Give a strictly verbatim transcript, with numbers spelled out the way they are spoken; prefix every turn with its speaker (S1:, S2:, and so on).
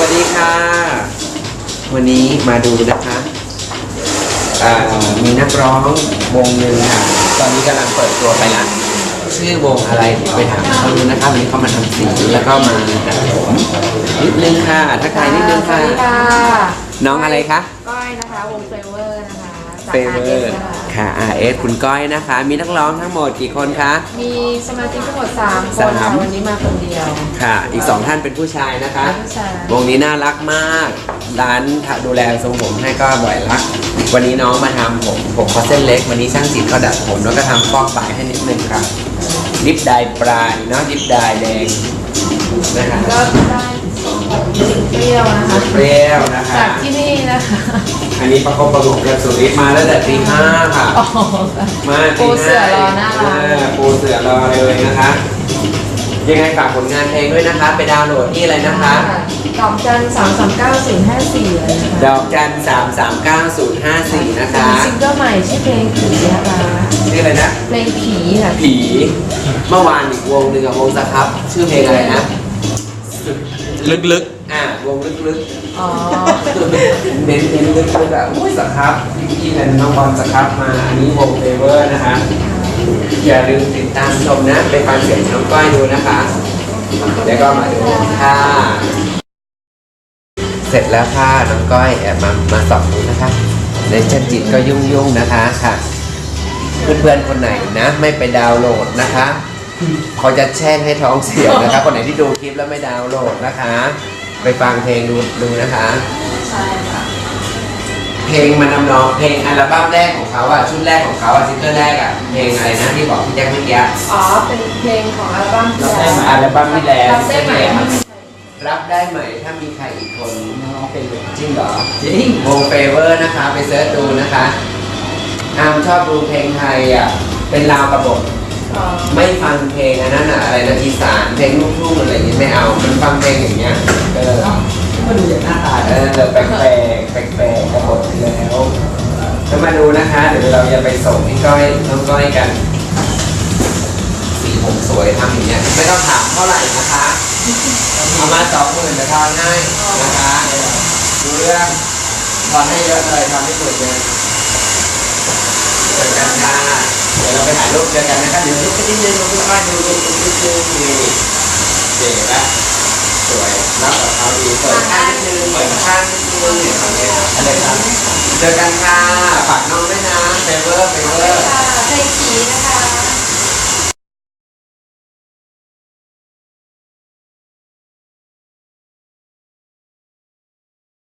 S1: วัสดีค่ะวันนี้มาดูนะคะมีนักร้องวงหนึ่งค่ะตอนนี้กำลังเปิดตัวไปละชื่อวงอะไรไปถามเขาดูนะคะวันนี้เขามาทำสีแล้วก็มาตัดผมนิดนึงค่ะทักทายนิดนึงค่ะน้องอะไรคะ
S2: ก้อยนะคะวงเฟเวอร์นะคะ
S1: เฟเวอร์ค่ะ อาร์ เอส คุณก้อยนะคะมีนักร้องทั้งหมดกี่คนคะ
S2: มีสมาชิกทั้งหมดสามคนค่ะวันนี้มาคนเดียว
S1: ค่ะอีกสองท่านเป็นผู้ชายนะคะวงนี้น่ารักมากร้านดูแลทรงผมให้ก็บ่อยรักวันนี้น้องมาทำผมผมเขาเส้นเล็กวันนี้ช่างจิตเขาดัดผมแล้วก็ทำฟอกปลายให้นิดนึงครับดิฟดายปลายเนาะดิฟดายแดง
S2: นะคะก็ได้เปรี้ยวนะคะ
S1: เปรี้ยวนะคะ
S2: จากที่นี่นะคะ
S1: อันนี้ประกบประกบกับสุริมาแล้วแต่ตีห้าค่ะมา
S2: ปูเสือรอหน้าร้าน
S1: ปูเสือรอเลยนะคะยังไงฝากผลงานเพลงด้วยนะคะไปดาวน์โหลดที่อะไรนะคะ
S2: ดอกจันสามสามเก้าศูนย์ห้าสี่เลยนะคะ
S1: ดอกจันสามสามเก้าศูนย์ห้าสี่นะคะ
S2: ซิงเกิลใหม่ชื่อเพลงผีนะคะ
S1: ชื่ออะไรนะ
S2: เพลงผีค่ะ
S1: ผีเมื่อวานอีกวงหนึ่งกับวงสครับชื่อเพลงอะไรนะลึกๆอ่าวงลึกๆอ๋อเน้นเน้นลึกๆแบบอุ้ยสครับพี่เป็นน้องบอลสครับมาอันนี้วงเฟเวอร์นะคะอย่าลืมติดตามชมนะไปฟังเสียงน้องก้อยดูนะคะแล้วก็มาดูค่ะเสร็จแล้วค่ะน้องก้อยแอบมามาส่องดูนะคะในจันจิตก็ยุ่งยุ่งนะคะค่ะเพื่อนๆคนไหนนะไม่ไปดาวน์โหลดนะคะเขาจะแช่งให้ท้องเสียนะคะคนไหนที่ดูคลิปแล้วไม่ดาวน์โหลดนะคะไปฟังเพลงดูดูนะคะ
S2: ใช่ค่ะ
S1: เพลงมันนำนองเพลงอัลบั้มแรกของเขาอ่ะชุดแรกของเขาอ่ะซิงเกิลแรกอ่ะเพลงอะไรนะที่บอกพี่แจ็คเมื่อกี้
S2: อ๋อเป็นเพลงของอัลบั้มที่แล้ว
S1: อัลบั้มที่แล้ว
S2: รับได้ไหม
S1: รับได้ไหมถ้ามีใครอีกคนน้องเป็นจริงเหรอจริงวงเฟเวอร์นะคะไปเสิร์ชดูนะคะอามชอบดูเพลงไทยอ่ะเป็นลาวกระบทไม่ฟังเพลงอันนั้นอะอะไรนะอีสานเพลงลูกทุ่งอะไรอย่างนี้ไม่เอามันฟังเพลงอย่างเงี้ยเออมาดูอย่างหน้าตาเออแปลกแปลกแปลกแปลกกระบทแล้วจะมาดูนะคะเดี๋ยวเราจะไปส่งพี่ก้อยน้องก้อยกันสีผมสวยทำอย่างเงี้ยไม่ต้องถามเท่าไหร่นะคะเอามาสองหมื่นจะทอนให้นะคะดูเรื่องทอนให้เยอะเลยทำให้สวยเลยเจอกันค่ะเดี๋ยวเราไปถ่ายรูปเจอกันนะครับเดี๋ยวรูปนิดนึงรูปบ้านดูรูปนิดนึงนี่เจ๋งนะสวยรับกับเขาดีเปิดข้างนิดนึงเปิดข้างนิดนึงเนี่ยทำเนี่ยอะไรครับเจอกันค่ะฝากน้องด้วยนะเฟเวอร์เฟเวอร์
S2: เพลงผีนะคะ